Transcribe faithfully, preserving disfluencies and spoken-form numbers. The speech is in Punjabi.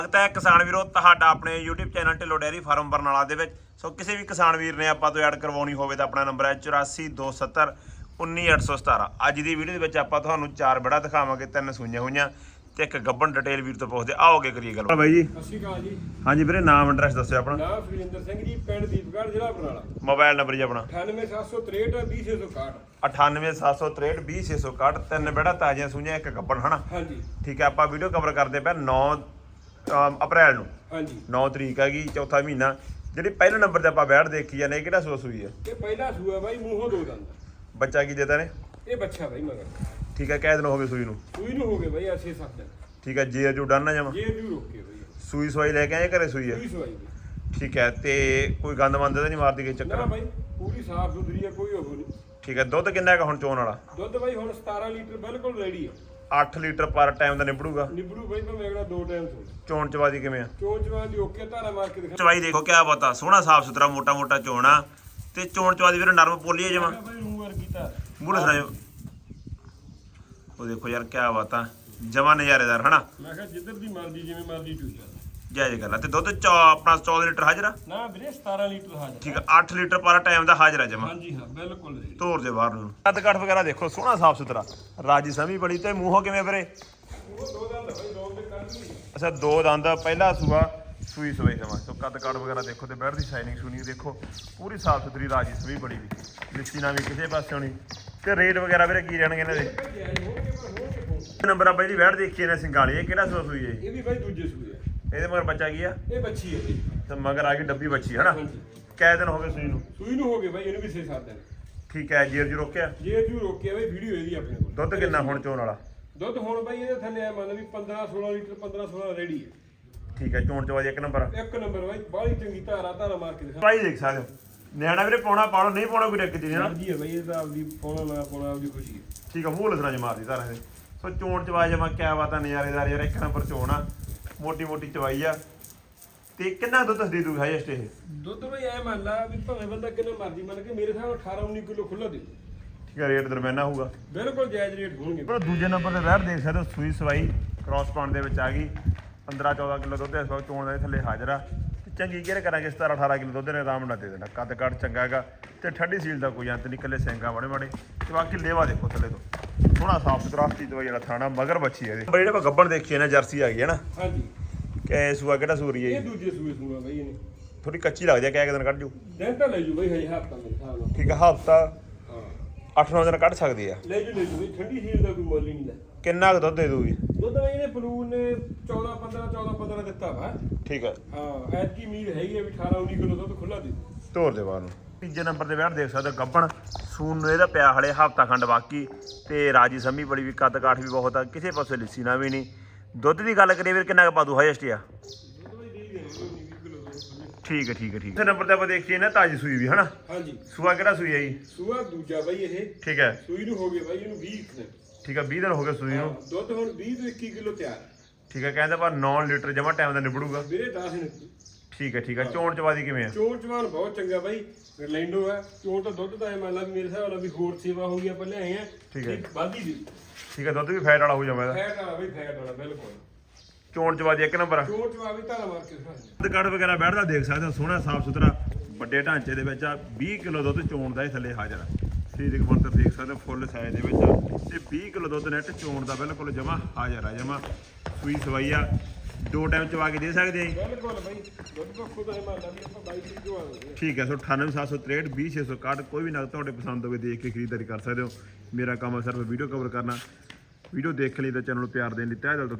ਤਾਂ ਕਿਸਾਨ ਵੀਰੋ ਤੁਹਾਡਾ ਆਪਣੇ YouTube channel Dhillon dairy farm Barnala ਦੇ ਵਿੱਚ। ਸੋ ਕਿਸੇ ਵੀ ਕਿਸਾਨ ਵੀਰ ਨੇ ਆਪਾਂ ਤੋਂ ਐਡ ਕਰਵਾਉਣੀ ਹੋਵੇ ਤਾਂ ਆਪਣਾ ਨੰਬਰ ਹੈ ਚੁਰਾਸੀ ਦੋ ਸੱਤਰ ਉੱਨੀ ਅੱਠ ਸੌ ਸਤਾਰਾਂ। ਅੱਜ ਦੀ ਵੀਡੀਓ ਦੇ ਵਿੱਚ ਆਪਾਂ ਤੁਹਾਨੂੰ ਚਾਰ ਬੜਾ ਦਿਖਾਵਾਂਗੇ, ਤਿੰਨ ਸੂਈਆਂ ਹੋਈਆਂ ਤੇ ਇੱਕ ਗੱਬਨ। ਡਿਟੇਲ ਵੀਰ ਤੋਂ ਪੁੱਛਦੇ ਆਓਗੇ ਕਰੀਏ ਗੱਲ। ਬਾਈ ਜੀ ਸਤਿ ਸ਼੍ਰੀ ਅਕਾਲ ਜੀ। ਹਾਂਜੀ ਵੀਰੇ, ਨਾਮ ਐਡਰੈਸ ਦੱਸਿਓ ਆਪਣਾ। ਨਾਮ ਸੁਰਿੰਦਰ ਸਿੰਘ ਜੀ, ਪਿੰਡ ਦੀਪਗੜ੍ਹ, ਜ਼ਿਲ੍ਹਾ ਬਰਨਾਲਾ। ਮੋਬਾਈਲ ਨੰਬਰ ਜੀ ਆਪਣਾ ਅਠਾਨਵੇਂ ਸੱਤ ਸੌ ਤਰੇਹਠ ਵੀਹ ਛੇ ਸੌ ਇਕਾਹਠ। ਅਠਾਨਵੇਂ ਸੱਤ ਸੌ ਤਰੇਹਠ ਵੀਹ ਛੇ ਸੌ ਇਕਾਹਠ। ਤਿੰਨ ਬੜਾ ਤਾਜ਼ੀਆਂ ਸੂਈਆਂ, ਇੱਕ ਗੱਬਨ ਹਨਾ। ਹਾਂਜੀ ਠੀਕ ਹੈ, ਆਪਾਂ ਵੀਡੀਓ ਕਵਰ ਕਰਦੇ ਪਏ ਨੌ ਅਪ੍ਰੈਲ ਨੂੰ। ਹਾਂਜੀ ਨੌ ਤਰੀਕ ਹੈਗੀ, ਚੌਥਾ ਮਹੀਨਾ। ਜਿਹੜੀ ਪਹਿਲੇ ਨੰਬਰ ਤੇ ਆਪਾਂ ਬੈਠ ਦੇਖੀ ਜਾਂਦੇ, ਇਹ ਕਿਹੜਾ ਸੂਆ ਸੂਈ ਹੈ? ਇਹ ਪਹਿਲਾ ਸੂਆ ਬਾਈ, ਮੂੰਹੋਂ ਦੋ ਦੰਦ। ਬੱਚਾ ਕੀ ਦੇਤਾ ਨੇ? ਇਹ ਬੱਚਾ ਬਾਈ ਮਗਰ। ਠੀਕ ਹੈ, ਕਿਹ ਦਿਨ ਹੋ ਗਏ ਸੂਈ ਨੂੰ? ਸੂਈ ਨੂੰ ਹੋ ਗਏ ਬਾਈ ਛੇ ਸੱਤ ਦਿਨ। ਠੀਕ ਹੈ, ਜੇ ਜੂ ਡਨ ਨਾ ਜਾਵਾਂ। ਜੇ ਵੀ ਰੋਕੇ ਬਾਈ। ਸੂਈ ਸਵਾਈ ਲੈ ਕੇ ਆਏ, ਘਰੇ ਸੂਈ ਹੈ? ਸੂਈ ਸਵਾਈ ਬਾਈ। ਠੀਕ ਹੈ, ਤੇ ਕੋਈ ਗੰਦ ਮੰਦ ਤਾਂ ਨਹੀਂ ਮਾਰਦੀ ਕਿਸੇ ਨਾ ਚੱਕਰ? ਬਾਈ ਪੂਰੀ ਸਾਫ ਸੁਥਰੀ ਹੈ, ਕੋਈ ਉਹ ਨਹੀਂ। ਠੀਕ ਹੈ, ਦੁੱਧ ਕਿੰਨਾ ਹੈਗਾ ਹੁਣ ਚੋਣ ਵਾਲਾ? ਦੁੱਧ ਬਾਈ ਹੁਣ ਸਤਾਰਾਂ ਲੀਟਰ ਬਿਲਕੁਲ ਰੈਡੀ ਹੈ। ਅੱਠ ਲੀਟਰ ਪਰ ਟਾਈਮ ਦਾ ਨਿਬੜੂਗਾ? ਨਿਬੜੂ ਬਾਈ ਭਾਵੇਂ ਅਗਲਾ ਦੋ ਟਾਈਮ ਸੋ। ਚੋਣ ਚਵਾਦੀ ਕਿਵੇਂ ਆ? ਚੋਣ ਚਵਾਂ ਦੀ ਓਕੇ, ਧਾਰਾ ਮਾਰ ਕੇ ਦਿਖਾ। ਚਵਾਈ ਦੇਖੋ ਕਿਆ ਬਤਾ, ਸੋਹਣਾ ਸਾਫ ਸੁਥਰਾ ਮੋਟਾ ਮੋਟਾ ਚੋਣ ਆ। ਤੇ ਚੋਣ ਚਵਾਦੀ ਵੀਰ ਨਰਮ ਪੋਲੀ ਹੈ ਜਮਾ। ਬਾਈ ਮੂੰਹ ਵਰਗੀ ਧਾਰ। ਮੂੰਹ ਲਸਣਾ ਉਹ ਦੇਖੋ ਯਾਰ ਕਿਆ ਬਤਾ, ਜਮਾ ਨਜ਼ਾਰੇਦਾਰ ਹਨਾ। ਮੈਂ ਕਿਹਾ ਜਿੱਧਰ ਦੀ ਮਰਜ਼ੀ ਜਿਵੇਂ ਮਰਜ਼ੀ ਚੂਈ ਜਾ। ਜਾਇਜ਼ ਗੱਲ ਆ। ਤੇ ਦੁੱਧ ਚੌ ਆਪਣਾ ਚੌਦਾਂ ਲੀਟਰ ਹਾਜ਼ਰ ਆ? ਨਾ ਵੀਰੇ ਸਤਾਰਾਂ ਲੀਟਰ ਹਾਜ਼ਰ। ਠੀਕ ਆ, ਅੱਠ ਲੀਟਰ ਪਰ ਟਾਈਮ ਦਾ ਹਾਜ਼ਰ ਆ ਜਮਾ। ਹਾਂਜੀ ਹਾਂ ਬਿਲਕੁਲ ਰੈਡੀ। ਧੋਰ ਦੇ ਬਾਹਰ ਨੂੰ ਕੱਦ ਕੱਟ ਵਗੈਰਾ ਦੇਖੋ, ਸੋਹਣਾ ਸਾਫ ਸੁਥਰਾ, ਰਾਜੀ ਸਮੀ ਬੜੀ। ਤੇ ਮੂੰਹੋਂ ਕਿਵੇਂ ਵੀਰੇ? ਉਹ ਦੋ ਦੰਦ ਬਾਈ, ਦੋ ਦੇ ਕੱਢ ਲਈ। ਅੱਛਾ, ਦੋ ਦੰਦ, ਪਹਿਲਾ ਸੂਆ, ਸੂਈ ਸਵਾਈ ਸਮਾਂ। ਸੋ ਕੱਦ ਕੱਟ ਵਗੈਰਾ ਦੇਖੋ, ਤੇ ਬੈਠ ਦੀ ਸ਼ਾਈਨਿੰਗ ਸ਼ੂਨਿੰਗ ਦੇਖੋ, ਪੂਰੀ ਸਾਫ ਸੁਥਰੀ, ਰਾਜੀ ਸਮੀ ਬੜੀ ਵੀ। ਲਿੱਸੀ ਨਾ ਵੀ ਕਿਸੇ ਪਾਸੇ ਹੋਣੀ। ਤੇ ਰੇਟ ਵਗੈਰਾ ਵੀਰੇ ਕੀ ਰਹਿਣਗੇ ਇਹਨਾਂ ਦੇ? ਨੰਬਰ ਆ ਬਾਈ ਜੀ, ਬੈਠ ਦੇਖੀਏ ਨੇ ਸਿੰਗਾਲੀ। ਇਹ ਕਿਹੜਾ ਸੂਆ ਸੂਈ ਹੈ? ਇਹ ਵੀ ਬਾਈ ਦੂਜੇ ਸੂਏ ਆ। ਇਹਦੇ ਮਗਰ ਬੱਚਾ ਕੀ ਆ? ਇਹ ਬੱਚੀ ਹੈ ਜੀ। ਤੇ ਮਗਰ ਆ ਗਈ ਡੱਬੀ ਬੱਚੀ ਹਨਾ। ਹਾਂਜੀ। ਕੈ ਦਿਨ ਹੋ ਗਏ ਸੂਈ ਨੂੰ? ਸੂਈ ਨੂੰ ਹੋ ਗਏ ਬਾਈ, ਇਹਨੂੰ ਵੀ ਛੇ ਸੱਤ ਦਿਨ। ਠੀਕ ਹੈ, ਜੀਰ ਜੀ ਰੋਕਿਆ? ਜੇ ਤੂੰ ਰੋਕਿਆ ਬਾਈ, ਵੀਡੀਓ ਇਹਦੀ ਆਪਣੇ ਕੋਲ। ਦੁੱਧ ਕਿੰਨਾ ਹੁਣ ਚੋਣ ਵਾਲਾ? ਦੁੱਧ ਹੁਣ ਬਾਈ ਇਹਦੇ ਥੱਲੇ ਆ ਮੰਨ ਵੀ ਪੰਦਰਾਂ ਸੋਲਾਂ ਲੀਟਰ, ਪੰਦਰਾਂ ਸੋਲਾਂ ਰੈਡੀ ਹੈ। ਠੀਕ ਹੈ, ਚੋਣ ਚਵਾਜੀ ਇੱਕ ਨੰਬਰ। ਇੱਕ ਨੰਬਰ ਬਾਈ, ਬਾਹਲੀ ਚੰਗੀ ਧਾਰਾ ਧਾਰਾ ਮਾਰ ਕੇ ਦਿਖਾ। ਭਾਈ ਦੇਖ ਸਕਦੇ ਹੋ, ਨਿਆਣਾ ਵੀਰੇ ਪਾਉਣਾ ਪਾਉਣਾ, ਨਹੀਂ ਪਾਉਣਾ ਕੋਈ ਦਿੱਕਤ ਨਹੀਂ ਨਾ। ਮਰਜ਼ੀ ਹੈ ਬਾਈ, ਇਹ ਤਾਂ ਆਪਦੀ ਪਾਉਣਾ ਨਾ ਪਾਉਣਾ ਆਪਦੀ ਖੁਸ਼ੀ ਹੈ। ਠੀਕ ਆ, ਮੂੰਹ ਲਸਣਾ ਜ ਮਾਰਦੀ ਧਾਰਾਂ ਦੇ। ਸੋ ਚੋਣ ਚਵਾਈ ਜਮਾ ਕਿਆ ਬਾਤਾਂ, ਨਜ਼ਾਰੇਦਾਰ ਯਾਰ। ਇੱਕ ਨੰਬਰ ਚੋਣ ਆ, ਮੋਟੀ ਮੋਟੀ ਚਵਾਈ ਆ। ਤੇ ਕਿੰਨਾ ਦੁੱਧ ਦੇ ਦੂਗਾ ਹਾਈਐਸਟ ਇਹ? ਦੁੱਧ ਬਾਈ ਐ ਮੰਨ ਲਾ ਵੀ ਭਾਵੇਂ ਬੰਦਾ ਕਿੰਨਾ ਮਰਜ਼ੀ ਮੰਨ ਕੇ, ਮੇਰੇ ਹਿਸਾਬ ਅਠਾਰਾਂ ਉੱਨੀ ਕਿਲੋ ਖੁੱਲਾ ਦੇ। ਠੀਕ ਹੈ, ਰੇਟ ਦਰਮਿਆਨਾ ਹੋਊਗਾ, ਬਿਲਕੁਲ ਜਾਇਜ਼ ਰੇਟ ਹੋਣਗੇ। ਪਰ ਦੂਜੇ ਨੰਬਰ ਤੇ ਵੈਰ ਦੇਖ ਸਕਦੇ ਹੋ, ਸੂਈ ਸਵਾਈ ਕ੍ਰਾਸ ਪਾਉਣ ਦੇ ਵਿੱਚ ਆ ਗਈ। ਪੰਦਰਾਂ ਚੌਦਾਂ ਕਿਲੋ ਦੁੱਧ ਇਸ ਵਕਤ ਚੋਣ ਦੇ ਥੱਲੇ ਹਾਜ਼ਰ ਆ। ਤੇ ਚੰਗੀ ਕੇਅਰ ਕਰਾਂਗੇ, ਸਤਾਰਾਂ ਅਠਾਰਾਂ ਕਿਲੋ ਦੁੱਧ ਨੇ ਆਰਾਮ ਨਾਲ ਦੇ ਦੇਣਾ। ਕੱਦ ਕੱਟ ਚੰਗਾ ਹੈਗਾ, ਤੇ ਠੰਡੀ ਸੀਲ ਦਾ ਕੋਈ ਅੰਤ ਨਹੀਂ, ਇਕੱਲੇ ਸਿੰਗਾ ਮਾੜੇ ਮਾੜੇ। ਤੇ ਬਾਕੀ ਲੇਵਾ ਦੇਖੋ ਥੱਲੇ ਤੋਂ, ਸੋਹਣਾ ਸਾਫ ਸੁਥਰਾ ਹੱਥੀ ਦਵਾਈ ਵਾਲਾ ਥਾਣਾ, ਮਗਰ ਬੱਚੀ ਹੈ ਇਹਦੇ। ਜਿਹੜੇ ਆਪਾਂ ਗੱਬਣ ਦੇਖੀਏ ਨਾ, ਜਰਸੀ ਆ ਗਈ ਹੈ ਨਾ। ਹਾਂਜੀ। ਕਿ ਸੂਆ ਕਿਹੜਾ ਸੂਰੀ ਹੈ? ਇਹ ਦੂਜੇ ਸੂਏ ਸੂਆ ਬਾਈ ਇਹਨੇ। ਥੋੜੀ ਕੱਚੀ ਲੱਗਦੀ ਹੈ, ਕਿਹ ਦਿਨ ਕੱਢ ਜੂ? ਦਿਨ ਤਾਂ ਲੈ ਜੂ ਬਾਈ, ਹਜੇ ਹਫ਼ਤਾ ਮੇਰੇ ਹਿਸਾਬ ਨਾਲ। ਠੀਕ ਹੈ, ਹਫ਼ਤਾ ਹਾਂ, ਅੱਠ ਨੌ ਦਿਨ ਕੱਢ ਸਕਦੀ ਆ। ਲੈ ਜੂ ਲੈ ਜੂ ਬਾਈ, ਠੰਡੀ ਸੀਲ ਦਾ ਕੋਈ ਮੁੱਲ ਹੀ ਨਹੀਂ ਲੈ। ਕਿੰਨਾ ਕੁ ਦੁੱਧ ਦੇ ਦੂਗੀ? ਦੁੱਧ ਬਾਈ ਇਹਨੇ ਪਲੂਨ ਨੇ ਚੌਦਾਂ ਪੰਦਰਾਂ ਚੌਦਾਂ ਪੰਦਰਾਂ ਦਿੱਤਾ ਵਾ। ਠੀਕ ਹੈ, ਹਾਂ, ਐਤਕੀ ਉਮੀਦ ਹੈਗੀ ਹੈ ਵੀ ਅਠਾਰਾਂ ਉੱਨੀ ਕਿਲੋ ਦੁੱਧ ਖੁੱਲਾ ਦੇ। ਧੋਰ ਦੇ ਬਾਹਰ ਨੂੰ। ਤੀਜੇ ਨੰਬਰ ਤੇ ਬੈਠ ਦੇਖ ਸਕਦੇ ਹੋ, ਗੱਬਣ ਸੂਨ ਨੂੰ ਇਹਦਾ ਪਿਆ ਹਲੇ ਹਫ਼ਤਾ ਖੰਡ ਬਾਕੀ। ਤੇ ਰਾਜੀ ਸਮੀ ਬੜੀ ਵੀ, ਕੱਦ ਕਾਠ ਵੀ ਬਹੁਤ ਆ, ਕਿਸੇ ਪਾਸੇ ਲਿੱਸੀ ਨਾ ਵੀ ਨਹੀਂ। ਦੁੱਧ ਦੀ ਗੱਲ ਕਰੀਏ ਵੀਰ, ਕਿੰਨਾ ਕੁ ਪਾ ਦੂ ਹਾਈਐਸਟ ਆ? ਠੀਕ ਹੈ ਠੀਕ ਹੈ ਠੀਕ ਹੈ। ਨੰਬਰ ਤੇ ਆਪਾਂ ਦੇਖੀਏ ਨਾ, ਤਾਜੀ ਸੂਈ ਵੀ ਹਨਾ। ਹਾਂਜੀ। ਸੂਆ ਕਿਹੜਾ ਸੂਈ ਹੈ ਜੀ? ਸੂਆ ਦੂਜਾ ਬਾਈ ਇਹ। ਠੀਕ ਹੈ। ਸੂਈ ਨੂੰ ਹੋ ਗਏ ਬਾਈ ਇਹਨੂੰ ਵੀਹ ਦਿਨ। ਠੀਕ ਹੈ, ਵੀਹ ਦਿਨ ਹੋ ਗਏ ਸੂਈ ਨੂੰ। ਦੁੱਧ ਹੁਣ ਵੀਹ ਤੋਂ ਇੱਕੀ ਕਿਲੋ ਤਿਆਰ। ਠੀਕ ਹੈ, ਕਹਿੰਦਾ ਪਰ ਨੌ ਲੀਟਰ ਜਮਾ ਟਾਈਮ ਦਾ ਨਿਬੜੂਗਾ। ਵੀਰੇ ਦਸ ਨੇ। ਠੀਕ ਹੈ ਠੀਕ ਹੈ, ਚੋਣ ਚਵਾਦੀ ਕਿਵੇਂ ਆ? ਚੋਣ ਚਵਾਨ ਬਹੁਤ ਚੰਗਾ ਬਾਈ, ਗਰਲੈਂਡੋ ਹੈ। ਚੋਣ ਤਾਂ ਦੁੱਧ ਦਾ ਐ ਮੰਨ ਲਾ ਵੀ ਮੇਰੇ ਹਿਸਾਬ ਨਾਲ ਵੀ ਹੋਰ ਸੇਵਾ ਹੋ ਗਈ, ਆਪਾਂ ਲਿਆਏ ਆ। ਠੀਕ ਹੈ। ਵਾਧੀ ਦੀ। ਠੀਕ ਹੈ, ਦੁੱਧ ਵੀ ਫੈਟ ਵਾਲਾ ਹੋ ਜਾਵੇ ਇਹਦਾ। ਫੈਟ ਵਾਲਾ ਬਾਈ, ਫੈਟ ਵਾਲਾ ਬਿਲਕੁਲ। ਚੋਣ ਚਵਾਦੀ ਇੱਕ ਨੰਬਰ। ਚੋਣ ਚਵਾ ਵੀ ਧਾਰਾ ਮਾਰ ਕੇ ਦਿਖਾ ਦੇ। ਦੁੱਧ ਕੱਢ ਵਗੈਰਾ ਬੈਠਦਾ ਦੇਖ ਸਕਦੇ ਹੋ, ਸੋਹਣਾ ਸਾਫ ਸੁਥਰਾ ਵੱਡੇ ਢਾਂਚੇ ਦੇ ਵਿੱਚ ਆ। ਵੀਹ ਕਿਲੋ ਦੁੱਧ ਚੋਣ ਦਾ ਇਹ ਥੱਲੇ ਹਾਜ਼ਰ ਆ। ਸਰੀਰਕ ਬਣਤਰ ਦੇਖ ਸਕਦੇ ਹੋ, ਫੁੱਲ ਸਾਈਜ਼ ਦੇ ਵਿੱਚ ਆ। ਤੇ ਵੀਹ ਕਿਲੋ ਦੁੱਧ ਨੈਟ ਚੋਣ ਦਾ ਬਿਲਕੁਲ ਜਮਾ ਹਾਜ਼ਰ ਆ। ਜਮਾ ਸੂਈ ਸਵਾਈ ਆ, ਦੋ ਟਾਈਮ ਚਵਾ ਕੇ ਦੇ ਸਕਦੇ ਆ। ਬਿਲਕੁਲ ਬਾਈ, ਦੁੱਧ ਤੋਂ ਖੁਦ ਇਹ ਮੰਨ ਲਾ ਵੀ ਆਪਾਂ ਬਾਈ ਕਿਲੋ ਆਵਾਂਗੇ। ਠੀਕ ਹੈ। ਸੋ ਅਠਾਨਵੇਂ ਸੱਤ ਸੌ ਤਰੇਹਠ ਵੀਹ ਛੇ ਸੌ ਇਕਾਹਠ। ਕੋਈ ਵੀ ਨਗ ਤੁਹਾਡੇ ਪਸੰਦ ਹੋਵੇ ਦੇਖ ਕੇ ਖਰੀਦਦਾਰੀ ਕਰ ਸਕਦੇ ਹੋ। ਮੇਰਾ ਕੰਮ ਹੈ ਸਿਰਫ ਵੀਡੀਓ ਕਵਰ ਕਰਨਾ। ਵੀਡੀਓ ਦੇਖ ਲਈ ਤਾਂ ਚੈਨਲ ਨੂੰ ਪਿਆਰ ਦੇਣ ਲਈ ਤਹਿ ਦਿਲ ਤੋਂ